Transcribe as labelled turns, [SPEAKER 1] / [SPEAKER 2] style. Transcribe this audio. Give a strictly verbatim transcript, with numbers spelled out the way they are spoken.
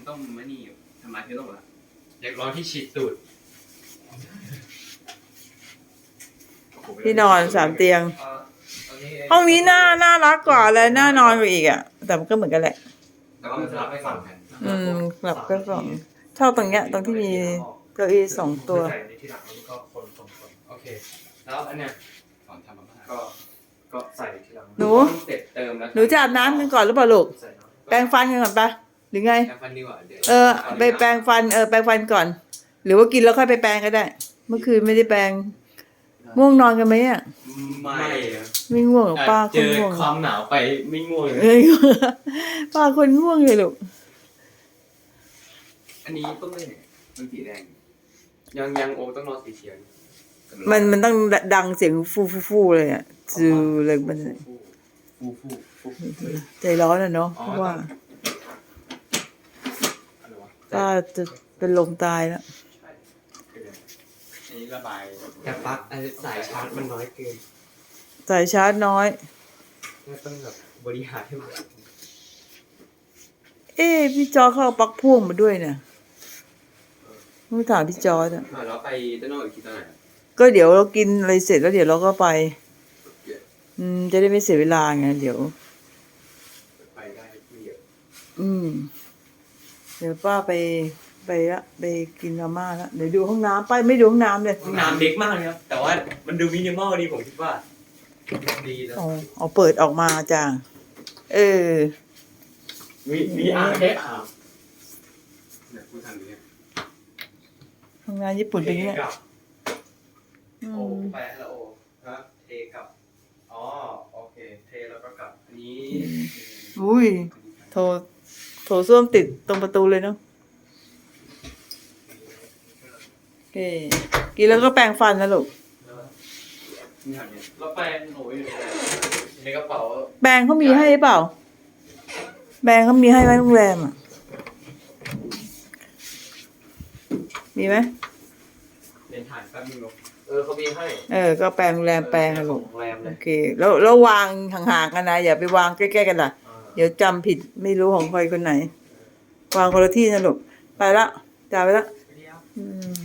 [SPEAKER 1] ต้องไม่นี่ทำลายเชื้อโรคละ
[SPEAKER 2] อยากลองที่ฉีดตูด
[SPEAKER 3] ที่นอนสามเตียงห้องนี้น่าน่ารักกว่าเลยน่านอนกว่าอีกอ่ะแต่มันก็เหมือนกันแหละ
[SPEAKER 1] แต่ว่ามันจะรับไปสองแผ่น
[SPEAKER 3] อืมหลับก็สองชอบตรงเนี้ยตรงที่มีเก้าอี้สองตัว
[SPEAKER 2] ใส่ในที่หลังแล้วก็คนคนคนโอเคแล้วอันเนี้ย
[SPEAKER 1] สอนทำมาม่า
[SPEAKER 2] ก็ก็ใส่ที่หลัง
[SPEAKER 3] หนู
[SPEAKER 1] เสร็จเติมแล้ว
[SPEAKER 3] หนูจะอาบน้ำกันก่อนหรือเปล่าลูก
[SPEAKER 2] ใส่น้ำ
[SPEAKER 3] แปรงฟันกันก่อนปะหรือไง
[SPEAKER 1] แปรงฟันดีกว่าเดี๋ยว
[SPEAKER 3] เออไปแปรงฟันเออแปรงฟันก่อน หรือว่ากินแล้วค่อยไปแปรงก็ได้ เมื่อคืนไม่ได้แปรงง่วงนอนกันไหมอ่ะ
[SPEAKER 1] ไม่อะ
[SPEAKER 3] ไม่ง่วงหรอกป้าค
[SPEAKER 1] เจ
[SPEAKER 3] น
[SPEAKER 1] อ
[SPEAKER 3] ง่วง
[SPEAKER 1] ความหนาวไปไม่ง่วงเลย
[SPEAKER 3] เอ้ยป้าคนง่วงเลยลูก
[SPEAKER 1] อันนี้ต้องเล่นเนี่ยมันสีแดง ยังยังโอต้องรอสีเขียว
[SPEAKER 3] มันมันต้องดังเสียงฟูฟูฟูเลยอ่ะจือเลยมัน
[SPEAKER 1] ฟูฟูฟูฟูฟู
[SPEAKER 3] ใจร้อนอ่ะเนาะเพราะว่า
[SPEAKER 1] อะไรวะ
[SPEAKER 3] ป้าจะเป็นลมตายแล้ว
[SPEAKER 1] ใช่อันนี้ระบาย
[SPEAKER 2] แต่ปลั๊กไอ้สายชาร์จมันน้อยเกิน
[SPEAKER 3] สายชาร์จน้อย
[SPEAKER 2] ก็ต้องแบบบริหารให้มัน
[SPEAKER 3] เอ๊ะพี่จอเขาเอาปลั๊กพ่วงมาด้วยเนี่ยต้องถามพี่จอร์ดอ่ะ
[SPEAKER 1] อ่ะแล้วไปด้านนอกอีกทีตอนไหน
[SPEAKER 3] ก็เดี๋ยวเรากินอะไรเสร็จแล้วเดี๋ยวเราก็ไป อืมจะได้ไม่เสียเวลาไงเดี๋ยว
[SPEAKER 1] ไปได้ไม่เยอะ
[SPEAKER 3] อืม เดี๋ยวป้าไปไปละไปกินมาม่าละเดี๋ยวดูห้องน้ำป้าไม่ดูห้องน้ำเลย
[SPEAKER 2] ห้องน้ำเล็กมากเลยครับแต่ว่ามันดูมินิมอลดีผมคิดว่าดีแล้ว
[SPEAKER 3] อ๋อเอาเปิดออกมาจ้าเออ
[SPEAKER 2] มีมีอ่างให้อาบ
[SPEAKER 1] เนี่ยพูดทางนี้
[SPEAKER 3] ห้องน้ำญี่ปุ่นเป็นอย่างเงี้ย
[SPEAKER 2] กับ
[SPEAKER 3] อื
[SPEAKER 2] โอ้
[SPEAKER 3] ม
[SPEAKER 2] ไปแล้วโอ้ครับเทกับอ๋อโอเคเทแล้วก็กลับ
[SPEAKER 1] อันนี้
[SPEAKER 3] อุ้ยโถโถส้วมติดตรงประตูเลยเนาะโอเคกินแล้วก็แปรงฟันนะลูก
[SPEAKER 1] นี่แถวเนี้ย
[SPEAKER 2] แล้วแปรงหนูอยู่ในกระเป๋า
[SPEAKER 3] แปรงเขามีให้หรือเปล่าแปรงเขามีให้ไหมโรงแรมอ่ะมีไหม
[SPEAKER 1] เป็นถ่ายแป๊บนึงลง
[SPEAKER 2] เออเขามีให้
[SPEAKER 3] เออก็แปรงโรงแรมแปรงอะลูก
[SPEAKER 2] โรงแรมเล
[SPEAKER 3] โอย เคแล้วแล้ววางห่างๆกันนะอย่าไปวางใกล้ๆกันล่ะ เดี๋ยวจำผิดไม่รู้ของใครคนไหน วางคนละที่นะลูกไปละจ่ายไปละอืม